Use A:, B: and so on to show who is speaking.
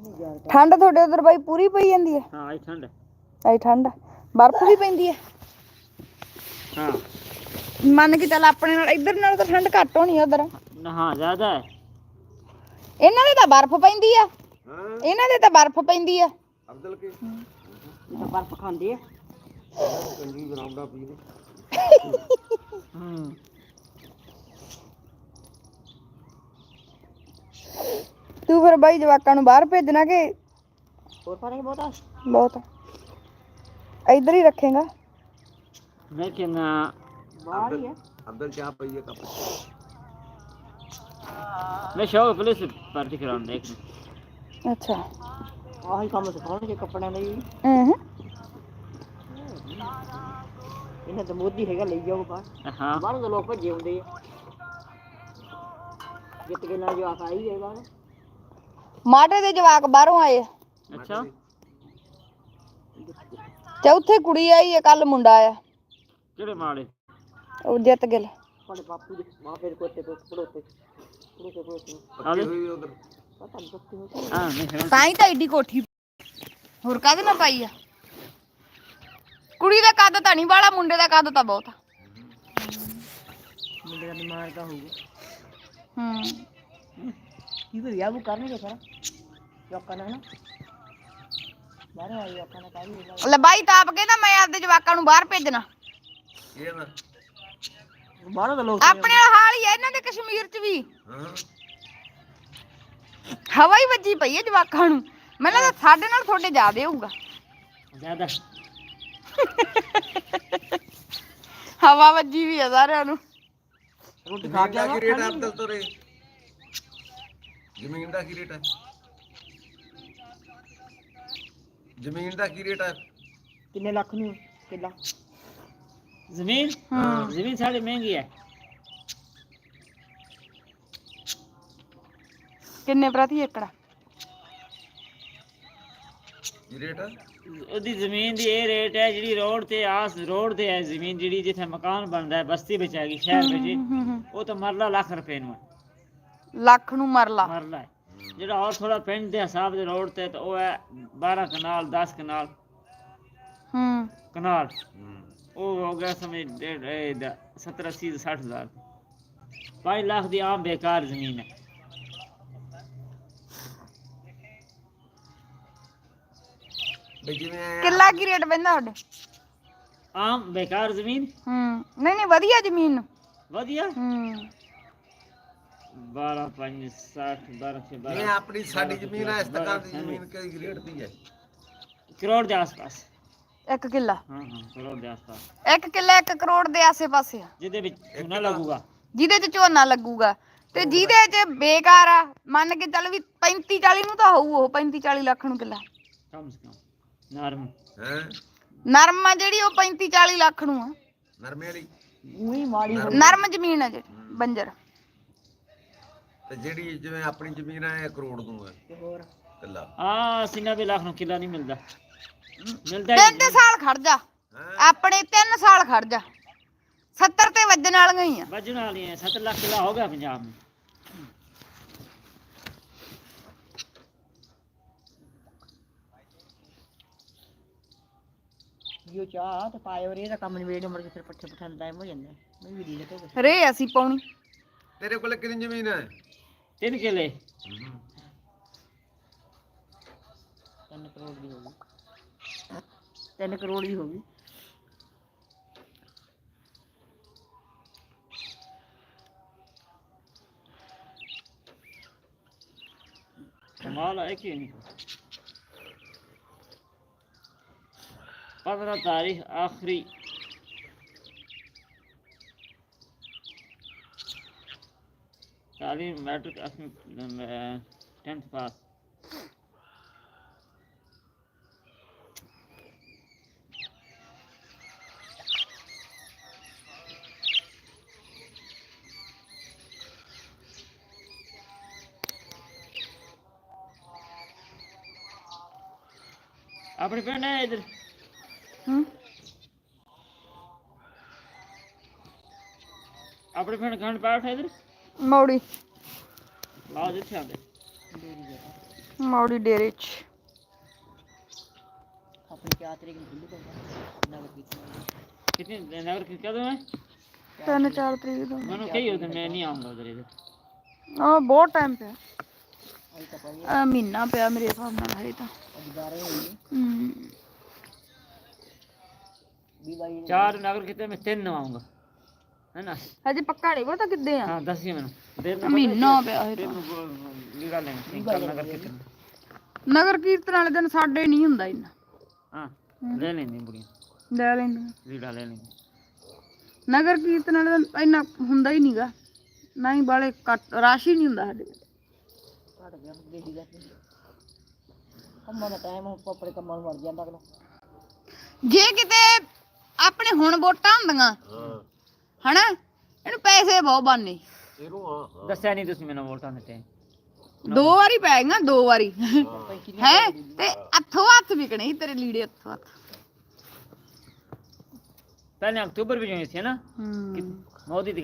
A: ਠੰਡ ਤੁਹਾਡੇ ਉਧਰ ਬਾਈ ਪੂਰੀ ਪਈ ਜਾਂਦੀ ਹੈ?
B: ਹਾਂ ਅੱਜ ਠੰਡ
A: ਅੱਜ ਠੰਡ ਬਰਫ਼ ਵੀ ਪੈਂਦੀ ਹੈ?
B: ਹਾਂ
A: ਮੰਨ ਕੇ ਚੱਲ ਆਪਣੇ ਨਾਲ ਇੱਧਰ ਨਾਲ ਤਾਂ ਠੰਡ ਘੱਟ ਹੋਣੀ ਉਧਰ।
B: ਹਾਂ ਜ਼ਿਆਦਾ ਹੈ।
A: ਇਹਨਾਂ ਦੇ ਤਾਂ ਬਰਫ਼ ਪੈਂਦੀ ਆ। ਇਹਨਾਂ ਦੇ ਤਾਂ ਬਰਫ਼ ਪੈਂਦੀ ਆ।
B: ਅਬਦੁਲ ਕੇ ਇਹ ਤਾਂ ਬਰਫ਼ ਖਾਂਦੇ ਆ। ਚੰਗੀ ਗਰਾਉਂਡਾ ਪੀਦੇ।
A: ਤੂੰ ਫਿਰ ਬਾਈ ਜਵਾਕਾਂ ਨੂੰ ਬਾਹਰ ਭੇਜਣਾ ਕਿ
B: ਹੋਰ ਪਾਣੀ ਬਹੁਤਾ
A: ਬਹੁਤ ਇੱਧਰ ਹੀ ਰੱਖੇਗਾ?
B: लेकिन बाहर ही है अंदर क्या पई है कप मैं शौक पुलिस पार्टी कराउन देख
A: अच्छा
B: ਆਹੀ ਕੰਮ ਸਿਖਾਉਣਗੇ ਕੱਪੜਿਆਂ ਦਾ ਹੀ। ਇਹਨਾਂ ਤਾਂ ਮੋਦੀ ਹੈਗਾ ਲਈ ਜਾਓ ਬਾਹਰ। ਹਾਂ ਬਾਹਰ ਦੇ ਲੋਕ ਭੱਜੇ ਹੁੰਦੇ ਆ ਜਿੱਤ ਕੇ ਨਾਲ ਜਵਾਕ ਆਈ ਗਏ ਬਾਹਰ।
A: ਮਾਟੇ ਦੇ ਜਵਾਕ ਬਾਹਰੋਂ ਆਏ।
B: ਅੱਛਾ
A: ਚੌਥੇ ਕੁੜੀ ਆਈ ਹੈ, ਕੱਲ ਮੁੰਡਾ ਆਇਆ।
B: ਕਿਹੜੇ ਮਾੜੇ?
A: ਉਹ ਜਿੱਤ ਗਿਲ
B: ਤੁਹਾਡੇ ਬਾਪੂ ਦੇ ਮਾਪੇ ਦੇ ਕੋਤੇ ਪੜੋਤੇ ਆਲੇ ਹੋਈ ਉਧਰ ਪਤਾ ਨਹੀਂ ਕੁੱਤੀ ਹੋ। ਹਾਂ ਨਹੀਂ
A: ਤਾਂ ਹੀ ਤਾਂ ਏਡੀ ਕੋਠੀ ਹੋਰ ਕਾਹਦੇ ਨਾਲ ਪਾਈ ਆ। ਕੁੜੀ ਦਾ ਕੱਦ ਤਾਂ ਨਹੀਂ ਵਾਲਾ, ਮੁੰਡੇ ਦਾ ਕੱਦ ਤਾਂ ਬਹੁਤ ਆ।
B: ਮੁੰਡੇ ਦਾ ਦਿਮਾਗ ਤਾਂ ਹੋਊਗਾ। ਕੀ ਵੀ ਵਿਆਹ ਕਰਨਗੇ ਸਾਰਾ ਲੋਕਾਂ ਨੇ ਨਾ ਬਾਹਰ ਆਈ ਲੋਕਾਂ ਨੇ ਕਾਹਦੀ
A: ਲੈ ਬਾਈ ਤਾਂ ਆਪ ਕਹਿੰਦਾ ਮੈਂ ਆਪਦੇ ਜਵਾਕਾਂ ਨੂੰ ਬਾਹਰ ਭੇਜਣਾ।
B: ਇਹ ਨਾ ਬਾਹਰੋਂ ਦੇ ਲੋਕ
A: ਆਪਣੇ ਹਾਲ ਹੀ ਆ ਇਹਨਾਂ ਦੇ ਕਸ਼ਮੀਰ ਚ ਵੀ। ਹਵਾ ਹੀ ਵੱਜੀ ਪਈ ਹੈ ਜਵਾਕਾਂ ਨੂੰ। ਮੈਨੂੰ ਲੱਗਦਾ ਸਾਡੇ ਨਾਲ ਤੁਹਾਡੇ ਜ਼ਿਆਦੇ ਹੋਊਗਾ।
B: ਜ਼ਿਆਦਾ
A: ਹਵਾ ਵੱਜੀ ਵੀ ਆ ਸਾਰਿਆਂ ਨੂੰ।
B: ਰੋਟੀ ਖਾ ਕੇ ਕੀ ਰੇਟ ਅਬਦੁਲ ਤੋਰੇ? ਜ਼ਮੀਨ ਦਾ ਕੀ ਰੇਟ ਹੈ? ਜ਼ਮੀਨ ਦਾ ਕੀ ਰੇਟ ਹੈ? ਕਿੰਨੇ ਲੱਖ ਨੂੰ ਕਿੱਲਾ ਜ਼ਮੀਨ? ਹਾਂ ਜ਼ਮੀਨ ਸਾਡੀ ਮਹਿੰਗੀ ਹੈ।
A: ਕਿੰਨੇ ਪ੍ਰਤੀ ਏਕੜ
B: ਕੀ ਰੇਟ ਹੈ ਉਹਦੀ ਜ਼ਮੀਨ ਦੀ? ਇਹ ਰੇਟ ਹੈ ਜਿਹੜੀ ਰੋਡ ਤੇ ਰੋਡ ਤੇ ਹੈ ਜ਼ਮੀਨ, ਜਿਹੜੀ ਜਿੱਥੇ ਮਕਾਨ ਬਣਦਾ ਹੈ ਬਸਤੀ ਵਿੱਚ ਹੈਗੀ ਸ਼ਹਿਰ ਵਿੱਚ, ਉਹ ਤਾਂ ਮਰਲਾ ਲੱਖ ਰੁਪਏ ਨੂੰ ਹੈ।
A: ਲੱਖ ਨੂੰ ਮਰਲਾ
B: ਹੈ। ਜਿਹੜਾ ਹੋਰ ਥੋੜਾ ਪਿੰਡ ਦੇ ਹਿਸਾਬ ਦੇ ਰੋਡ ਤੇ ਉਹ ਹੈ 12 ਕਨਾਲ 10 ਕਨਾਲ ਕਨਾਲ। ਉਹ ਹੋ ਗਿਆ ਸਮਝ 70 80 60 ਹਜ਼ਾਰ 5 ਲੱਖ ਦੀ ਆਮ ਬੇਕਾਰ ਜ਼ਮੀਨ ਹੈ।
A: ਕਿੱਲਾ ਕੀ ਰੇਟ ਪੈਂਦਾ ਤੁਹਾਡੇ?
B: ਆਮ ਬੇਕਾਰ ਜ਼ਮੀਨ?
A: ਨਹੀਂ ਨਹੀਂ ਵਧੀਆ ਜ਼ਮੀਨ
B: ਵਧੀਆ 12 5 60 12 ਇਹ ਆਪਣੀ ਸਾਡੀ ਜ਼ਮੀਨ ਹੈ। ਇਸ ਤਰ੍ਹਾਂ ਦੀ ਜ਼ਮੀਨ ਕਿਹੜੀ ਰੇਟ ਦੀ ਹੈ? ਕਰੋੜ ਦੇ ਆਸ-ਪਾਸ।
A: 1 ਕਿੱਲਾ?
B: ਹਾਂ ਕਰੋੜ ਦੇ ਆਸ-ਪਾਸ।
A: 1 ਕਿੱਲਾ 1 ਕਰੋੜ ਦੇ ਆਸੇ-ਪਾਸੇ ਆ।
B: ਜਿਹਦੇ ਵਿੱਚ ਝੋਨਾ ਲੱਗੂਗਾ।
A: ਜਿਹਦੇ ਚ ਝੋਨਾ ਲੱਗੂਗਾ ਤੇ ਜਿਹਦੇ ਚ ਬੇਕਾਰ ਆ ਮੰਨ ਕੇ ਚੱਲ ਵੀ 35 40 ਨੂੰ ਤਾਂ ਹੋਊ। ਉਹ 35 40 ਲੱਖ ਨੂੰ ਕਿੱਲਾ
B: ਕਮ ਸੇ ਕਮ। ਨਰਮ ਹੈ
A: ਨਰਮ ਆ ਜਿਹੜੀ ਉਹ 35 40 ਲੱਖ ਨੂੰ ਆ।
B: ਨਰਮੇ ਵਾਲੀ ਉਹੀ ਮਾੜੀ
A: ਨਰਮ ਜ਼ਮੀਨ ਆ ਜਿਹੜੀ ਬੰਜਰ।
B: ਤੇ ਜਿਹੜੀ ਜਿਵੇਂ ਆਪਣੀ ਜ਼ਮੀਨ ਆ 1 ਕਰੋੜ ਨੂੰ ਹੈ ਤੇ ਹੋਰ ਕਿੱਲਾ। ਹਾਂ 90 ਲੱਖ ਨੂੰ ਕਿੱਲਾ ਨਹੀਂ ਮਿਲਦਾ। ਮਿਲਦਾ
A: 3 ਸਾਲ ਖੜ ਜਾ ਆਪਣੇ 3 ਸਾਲ ਖੜ ਜਾ 70 ਤੇ ਵੱਜਣ ਵਾਲੀਆਂ ਹੀ ਆ।
B: ਵੱਜਣ ਵਾਲੀਆਂ 7 ਲੱਖ ਕਿੱਲਾ ਹੋ ਗਿਆ ਪੰਜਾਬ ਨੂੰ। ਜੋ ਚਾਹ ਤੇ ਪਾਏ ਹੋ ਰੇ ਦਾ ਕੰਮ ਨਿਬੇੜ ਮਰ ਕੇ ਫਿਰ ਪੱਠੇ ਪਠਾਣ ਟਾਈਮ ਹੋ ਜਾਂਦਾ। ਮੈਂ ਵੀ ਦੀ ਦੇ
A: ਰੇ ਅਸੀਂ ਪਾਉਣੀ।
B: ਤੇਰੇ ਕੋਲ ਕਿੰਨੀ ਜ਼ਮੀਨ ਹੈ? 3 ਕਿੱਲੇ। 3 ਕਰੋੜ ਦੀ ਹੋਗੀ। 3 ਕਰੋੜ ਦੀ ਹੋਗੀ। कमाल है कि नहीं? 15 तारीख आखिरी तालीम मैट्रिक 10th पास। अपने पिंड है इधर अपने पिंड खंड पाठ है इधर
A: मौड़ी
B: लाओ जिथे आते
A: ਮੌੜੀ ਡੇਰੇ ਚ
C: ਆਪਣੀ 4 ਤਰੀਕ ਨੂੰ ਖੁੱਲੂ ਨਗਰ ਕੀਰਤਨ
B: कितने नगर की कदम है
A: 3-4 ਤਰੀਕ ਦਾ
B: मैंने कही हो तो मैं नहीं आऊंगा उधर इधर
A: ਆ ਬਹੁਤ ਟਾਈਮ ਪਿਆ
C: ਅਜੇ ਤਾਂ ਪਈ
A: ਆ ਮਹੀਨਾ ਪਿਆ ਮੇਰੇ ਹਿਸਾਬ ਨਾਲ ਹਰੇ ਤਾਂ
C: 11 ਹੋਈ
A: ਹਮ
C: 22
B: 4 नगर कीर्तन में 3 आऊंगा है ना
A: ਹਜੇ ਪੱਕਾ ਨਹੀਂ ਪਤਾ ਕਿੱਦੇ ਆ
B: हाँ 10 ही मैंने देर
A: ਮਹੀਨਾ ਪਿਆ ਹਰੇ
B: में
A: ਤਾਂ
B: लीड़ा लेंगे कल नगर कीर्तन
A: ਨਗਰ ਕੀਰਤਨ ਵਾਲੇ ਦਿਨ ਸਾਡੇ ਨਹੀਂ ਹੁੰਦਾ ਇੰਨਾ
B: हाँ ले लेंगे बुढ़िया
A: ਲੈ ਲੈਂਦੇ
B: लीड़ा ले लेंगे
A: ਨਗਰ ਕੀਰਤਨ ਵਾਲੇ ਦਿਨ ਇੰਨਾ ਹੁੰਦਾ ਹੀ ਨਹੀਂਗਾ ਨਾ ਹੀ ਬਾਲੇ ਰਸ਼ ਹੀ ਨਹੀਂ ਹੁੰਦਾ ਸਾਡੇ
C: ਘਟ ਗਿਆ ਗੇੜੀ ਦਾ ਕੰਮਾਂ ਦਾ ਟਾਈਮ ਆਪਣੇ ਕੰਮਾਂ ਨੂੰ ਵੜ ਜਾਂਦਾ ਅਗਲਾ
A: ਜੇ ਕਿਤੇ ਆਪਣੇ ਹੁਣ ਵੋਟਾਂ ਹੁੰਦੀਆਂ ਹਨਾ ਇਹਨੂੰ ਪੈਸੇ ਬਹੁਤ ਬਣਨੇ
B: दस्या नहीं तुसी मैंने वोटां दित्ते
A: 2 ਵਾਰੀ ਪੈ ਗਈਆਂ 2 ਵਾਰੀ ਹੈ ਤੇ ਹੱਥੋਂ ਹੱਥ ਵਿਕਣੇ ਸੀ ਤੇਰੇ ਲੀੜੇ ਹੱਥੋਂ ਹੱਥ
B: पहले अक्टूबर में जो थे ना
A: ਹੂੰ
B: मोदी